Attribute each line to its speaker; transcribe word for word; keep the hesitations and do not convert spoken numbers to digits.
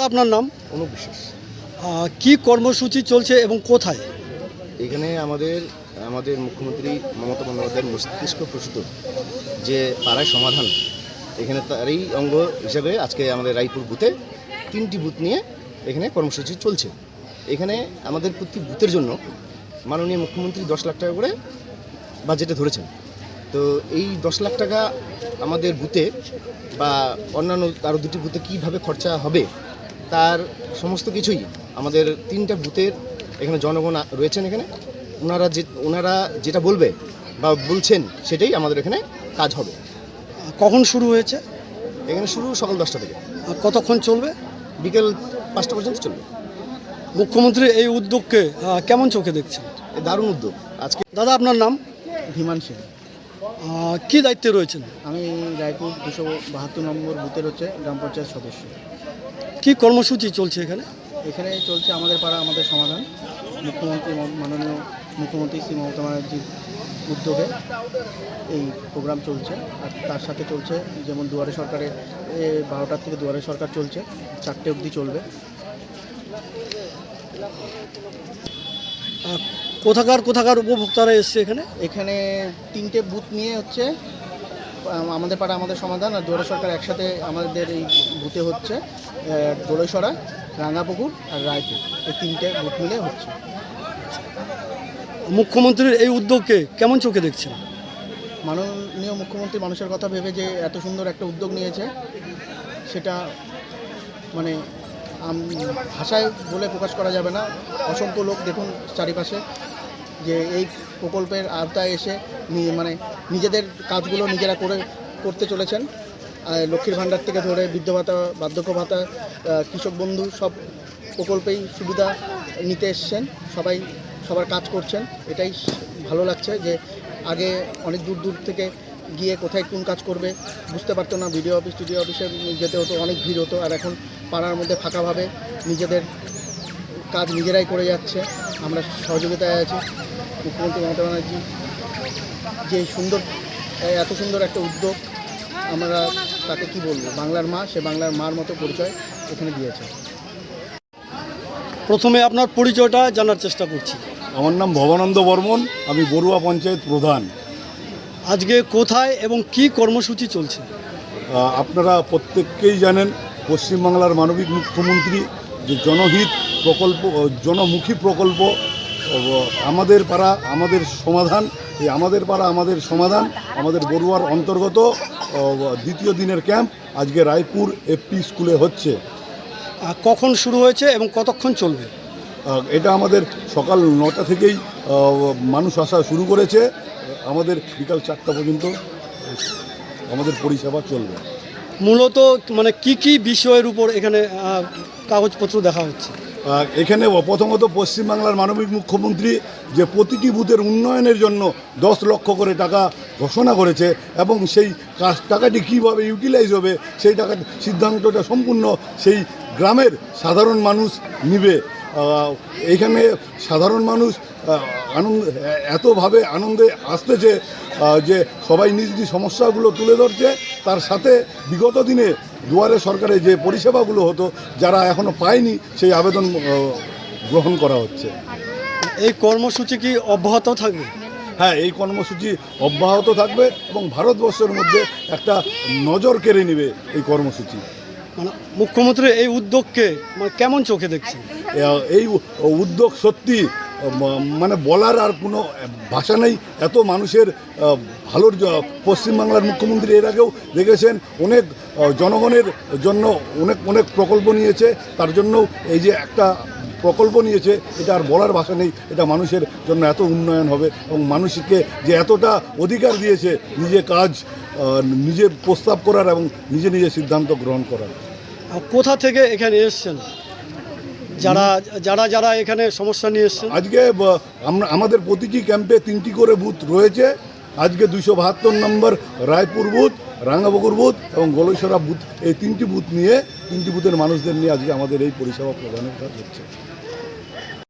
Speaker 1: আপনার নাম?
Speaker 2: অনুপ বিশ্বাস।
Speaker 1: কি কর্মসূচি চলছে এবং কোথায়?
Speaker 2: এখানে আমাদের আমাদের মুখ্যমন্ত্রী মমতা বন্দ্যোপাধ্যায়ের মস্তিষ্ক প্রসূত যে পাড়ায় সমাধান, এখানে তারই অঙ্গ হিসাবে আজকে আমাদের রায়পুর বুথে তিনটি বুথ নিয়ে এখানে কর্মসূচি চলছে। এখানে আমাদের প্রতি বুথের জন্য মাননীয় মুখ্যমন্ত্রী দশ লাখ টাকা করে বাজেটে ধরেছেন। তো এই দশ লাখ টাকা আমাদের বুথে বা অন্যান্য আরও দুটি বুথে কীভাবে খরচা হবে তার সমস্ত কিছুই আমাদের তিনটা বুথের এখানে জনগণ রয়েছেন। এখানে ওনারা যে ওনারা যেটা বলবে বা বলছেন সেটাই আমাদের এখানে কাজ হবে।
Speaker 1: কখন শুরু হয়েছে?
Speaker 2: এখানে শুরু সকাল দশটা থেকে।
Speaker 1: কতক্ষণ চলবে?
Speaker 2: বিকেল পাঁচটা পর্যন্ত চলবে।
Speaker 1: মুখ্যমন্ত্রী এই উদ্যোগকে কেমন চোখে দেখছেন?
Speaker 2: দারুণ উদ্যোগ। আজকে
Speaker 1: দাদা আপনার নাম?
Speaker 3: ধীমান সিং।
Speaker 1: কী দায়িত্বে রয়েছেন?
Speaker 3: আমি রায়পুর দুশো বাহাত্তর নম্বর বুথের হচ্ছে গ্রাম পঞ্চায়েত সদস্য।
Speaker 1: কি কর্মসূচি চলছে এখানে?
Speaker 3: এখানে চলছে আমাদের পাড়া আমাদের সমাধান, মুখ্যমন্ত্রী মাননীয় মুখ্যমন্ত্রী শ্রী মমতা ব্যানার্জির উদ্যোগে এই প্রোগ্রাম চলছে। আর তার সাথে চলছে যেমন দুয়ারে সরকারে বারোটার থেকে দুয়ারে সরকার চলছে, চারটে অবধি চলবে।
Speaker 1: কোথাকার কোথাকার উপভোক্তারা এসছে এখানে?
Speaker 3: এখানে তিনটে বুথ নিয়ে হচ্ছে আমাদের পাড়া আমাদের সমাধান আর দুয়ারে সরকার একসাথে আমাদের এই বুথে হচ্ছে দোলেশ্বরা, রাঙ্গাপুকুর আর রায়পুর, এই তিনটে বুথ মিলে হচ্ছে।
Speaker 1: মুখ্যমন্ত্রীর এই উদ্যোগকে কেমন চোখে দেখছেন?
Speaker 3: মাননীয় মুখ্যমন্ত্রী মানুষের কথা ভেবে যে এত সুন্দর একটা উদ্যোগ নিয়েছে সেটা মানে ভাষায় বলে প্রকাশ করা যাবে না। অসংখ্য লোক দেখুন চারিপাশে যে এই প্রকল্পের আওতায় এসে মানে নিজেদের কাজগুলো নিজেরা করে করতে চলেছেন। লক্ষ্মীর ভাণ্ডার থেকে ধরে বৃদ্ধ ভাতা, বার্ধক্য ভাতা, কৃষক বন্ধু সব প্রকল্পেই সুবিধা নিতে এসছেন। সবাই সবার কাজ করছেন, এটাই ভালো লাগছে যে আগে অনেক দূর দূর থেকে গিয়ে কোথায় কোন কাজ করবে বুঝতে পারতো না, বিডিও অফিস টিডিও অফিসে যেতে হতো, অনেক ভিড় হতো। আর এখন পাড়ার মধ্যে ফাঁকাভাবে নিজেদের কাজ নিজেরাই করে যাচ্ছে। আমরা সহযোগিতায় আছি। মুখ্যমন্ত্রী মমতা ব্যানার্জি যে সুন্দর এত সুন্দর একটা উদ্যোগ, আমরা তাকে কি বলবো, বাংলার মা, সে বাংলার মার মতো পরিচয় এখানে দিয়েছে।
Speaker 1: প্রথমে আপনার পরিচয়টা জানার চেষ্টা করছি।
Speaker 4: আমার নাম ভবানন্দ বর্মন, আমি বড়ুয়া পঞ্চায়েত প্রধান।
Speaker 1: আজকে কোথায় এবং কি কর্মসূচি চলছে?
Speaker 4: আপনারা প্রত্যেককেই জানেন পশ্চিমবাংলার মানবিক মুখ্যমন্ত্রী যে জনহিত প্রকল্প, জনমুখী প্রকল্প আমাদের পাড়া আমাদের সমাধান, এই আমাদের পাড়া আমাদের সমাধান আমাদের বড়ুয়ার অন্তর্গত দ্বিতীয় দিনের ক্যাম্প আজকে রায়পুর এফপি স্কুলে হচ্ছে।
Speaker 1: কখন শুরু হয়েছে এবং কতক্ষণ চলবে?
Speaker 4: এটা আমাদের সকাল নটা থেকেই মানুষ আসা শুরু করেছে, আমাদের বিকাল চারটা পর্যন্ত আমাদের পরিষেবা চলবে।
Speaker 1: মূলত মানে কি কি বিষয়ের উপর এখানে কাগজপত্র দেখা হচ্ছে?
Speaker 4: এখানে প্রথমত পশ্চিমবাংলার মানবিক মুখ্যমন্ত্রী যে প্রতিটি বুথের উন্নয়নের জন্য দশ লক্ষ করে টাকা ঘোষণা করেছে এবং সেই কাজ টাকাটি কীভাবে ইউটিলাইজ হবে সেই টাকার সিদ্ধান্তটা সম্পূর্ণ সেই গ্রামের সাধারণ মানুষ নিবে। এইখানে সাধারণ মানুষ আনন্দ এতভাবে আনন্দে আসতেছে যে সবাই নিজ নিজ সমস্যাগুলো তুলে ধরছে। তার সাথে বিগত দিনে দুয়ারে সরকারে যে পরিষেবাগুলো হতো যারা এখনও পায়নি সেই আবেদন গ্রহণ করা হচ্ছে।
Speaker 1: এই কর্মসূচি কি অব্যাহত থাকবে?
Speaker 4: হ্যাঁ, এই কর্মসূচি অব্যাহত থাকবে এবং ভারতবর্ষের মধ্যে একটা নজর কেড়ে নেবে এই কর্মসূচি।
Speaker 1: মানে মুখ্যমন্ত্রী এই উদ্যোগকে মানে কেমন চোখে দেখছেন?
Speaker 4: এই উদ্যোগ সত্যি মানে বলার আর কোনো ভাষা নেই। এত মানুষের ভালোর পশ্চিমবাংলার মুখ্যমন্ত্রী এর আগেও দেখেছেন অনেক জনগণের জন্য অনেক অনেক প্রকল্প নিয়েছে, তার জন্যও এই যে একটা প্রকল্প নিয়েছে এটা আর বলার ভাষা নেই। এটা মানুষের জন্য এত উন্নয়ন হবে এবং মানুষকে যে এতটা অধিকার দিয়েছে নিজে কাজ নিজে প্রস্তাব করার এবং নিজে নিজে সিদ্ধান্ত গ্রহণ করার।
Speaker 1: কোথা থেকে এখানে এসছেন যারা যারা যারা এখানে সমস্যা নিয়ে এসছেন?
Speaker 4: আজকে আমরা আমাদের প্রতিটি ক্যাম্পে তিনটি করে বুথ রয়েছে। আজকে দুইশো বাহাত্তর number Raipur booth, Rangapukur booth এবং গলেশ্বরা বুথ, এই তিনটি বুথ নিয়ে তিনটি বুথের মানুষদের নিয়ে আজকে আমাদের এই পরিষেবা প্রদানের কাজ হচ্ছে।